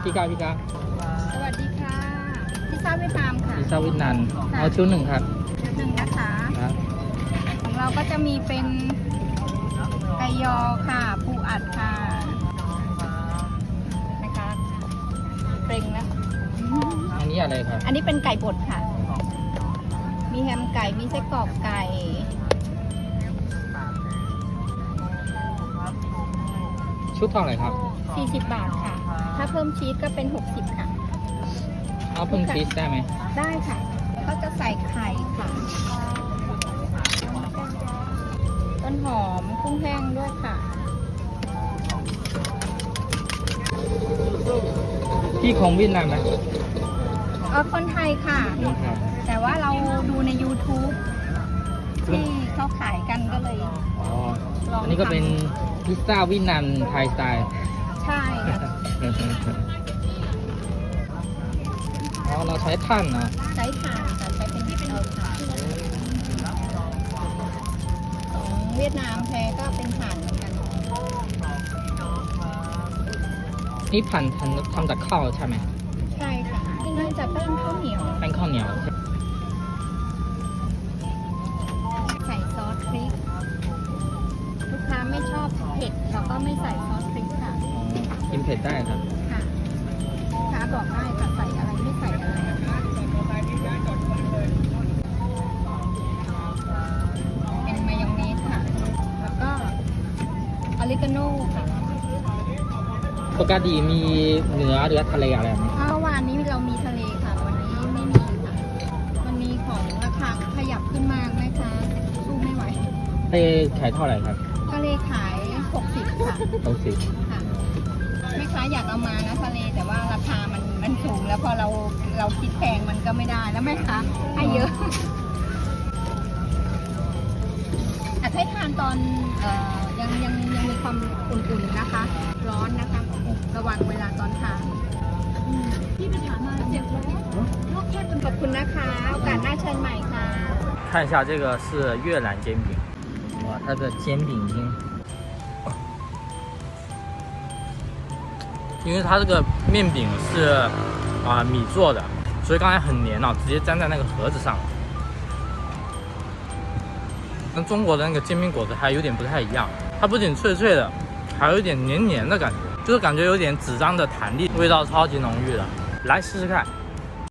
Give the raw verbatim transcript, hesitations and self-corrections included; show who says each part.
Speaker 1: พี่กาพี่กา
Speaker 2: สวัสดีค่ะพิซซ่าเวียดนามค่ะ
Speaker 1: พิซซ่าเวียดนามเอาชุดหนึ่งครับ
Speaker 2: หนึ่งนะคะ
Speaker 1: ครับ
Speaker 2: ของเราก็จะมีเป็นไก่ยอค่ะปูอัดค่ะนะคะเกรงนะ
Speaker 1: อันนี้อะไรครับ
Speaker 2: อันนี้เป็นไก่บดค่ะ มีแฮมไก่มีไส้กรอกไก่
Speaker 1: ชุดเท่าไหร่ครับ
Speaker 2: สี่สิบบาทค่ะ ถ้าเพิ่มชีสก็เป็นหกสิบค่ะ
Speaker 1: เอาเพิ่มชีสได้ไหม
Speaker 2: ได้ค่ะ แล้วก็จะใส่ไข่ค่ะ ต้นหอมกุ้งแห้งด้วยค่ะ
Speaker 1: พี่ของเวียดนามไหม
Speaker 2: เออคนไทยค่ะ
Speaker 1: นี่ครับ
Speaker 2: แต่ว่าเราดูใน YouTube ที่เขาขายกันก็เลย
Speaker 1: อ๋อ
Speaker 2: ลองทำ
Speaker 1: อันนี้ก็เป็นพิซซ่าเวียดนามไทยสไตล์
Speaker 2: ใช่ค่ะ
Speaker 1: อ๋อเราใช้ท่านนะ
Speaker 2: ใช้ถ่านค่ะใช้เป็นเตาถ่านของเวียดนามแท้ก็เป็นถ่านเหมือนกัน
Speaker 1: นี่ผ่านทำทำจากข้าวใช่ไหม
Speaker 2: ใช่ค่ะน่าจะแป้งข้าวเหนียว
Speaker 1: แป้งข้าวเหนียว
Speaker 2: ใส่ซอสพริก ลูกค้าไม่ชอบเผ็ดเราก็ไม่ใส่ซอสพริกค่ะ
Speaker 1: อ๋อกินเผ็ดได้ครับ
Speaker 2: ค่ะลูกค้าบอกได้ค่ะใส่อะไรไม่ใส่อะไรเป็นมายองเนสค่ะ แล้วก็ออริกาโน่ค่ะ
Speaker 1: ปกติมีเนื้อหรือทะเลอะไรไหม
Speaker 2: เมื่อวานนี้เรามีทะเลค่ะ วันนี้ไม่มีค่ะ มันมีของราคาขยับขึ้นมากไหมคะสู้ไม่ไหว
Speaker 1: ทะเลขายเท่าไหร่ครับ
Speaker 2: ทะเลขายหกสิบค่ะ
Speaker 1: หกสิบ
Speaker 2: ค่ะแม่ค้าอยากเอามานะทะเลแต่ว่าราคามันมันสูงแล้วพอเราเราคิดแพงมันก็ไม่ได้แล้วแม่ค้าให้เยอะอาจให้ทานตอนเอ่อยังยังยังมีความอุ่นๆนะคะ ร้อนนะคะ ระวังเวลาตอนทานพี่ไปถามมาเจ็บร้อนขอบคุณนะคะโอกาสหน้าเชิญใหม่ค่ะ
Speaker 1: 看一下这个是越南煎饼，哇，它的煎饼已经，因为它这个面饼是啊、米做的，所以刚才很黏啊，直接粘在那个盒子上了。跟中国的那个煎饼果子还有点不太一样，它不仅脆脆的，还有一点黏黏的感觉，就是感觉有点纸张的弹力，味道超级浓郁的，来试试看。